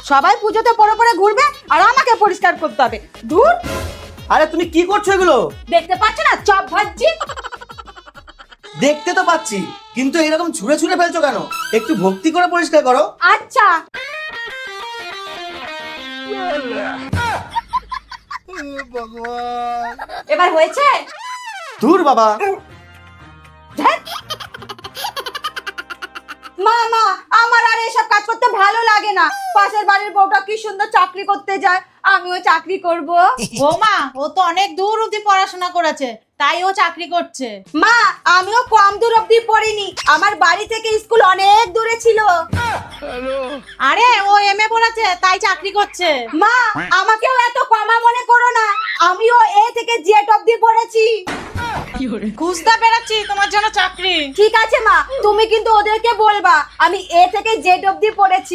সবাই পুজোতে পরে পরে ঘুরবে আর আমাকে পরিষ্কার করতে হবে। দূর। আরে তুমি কি করছো এগুলো? দেখতে পাচ্ছ না চপ ভাজছি? দেখতে তো পাচ্ছি, কিন্তু এরকম ছুঁড়ে ছুঁড়ে ফেলছো কেন? একটু ভক্তি করে পরিষ্কার করো। আচ্ছা। এবার হয়েছে? দূর বাবা। ধ্যাৎ। মা মা, আমার আর এসব কাজ করতে ভালো লাগে না। পাশের বাড়ির বউটা কি সুন্দর চাকরি করতে যায়, আমিও চাকরি করব। বৌমা, ও তো অনেক দূর অব্দি পড়াশোনা করেছে, তাই ও চাকরি করছে। মা, আমিও কম দূর অব্দি পড়িনি, আমার বাড়ি থেকে স্কুল অনেক দূরে ছিল। আরে ও এমএ পড়েছে, তাই চাকরি করছে। মা, আমাকেও এত কমা মনে করো না, আমিও এ থেকে জেড অব্দি পড়েছি। খুঁজতে পেরেছি তোমার জন্য চাকরি। ঠিক আছে মা, তুমি কিন্তু ওদেরকে বলবা আমি এ থেকে জেড অব্দি পড়েছি।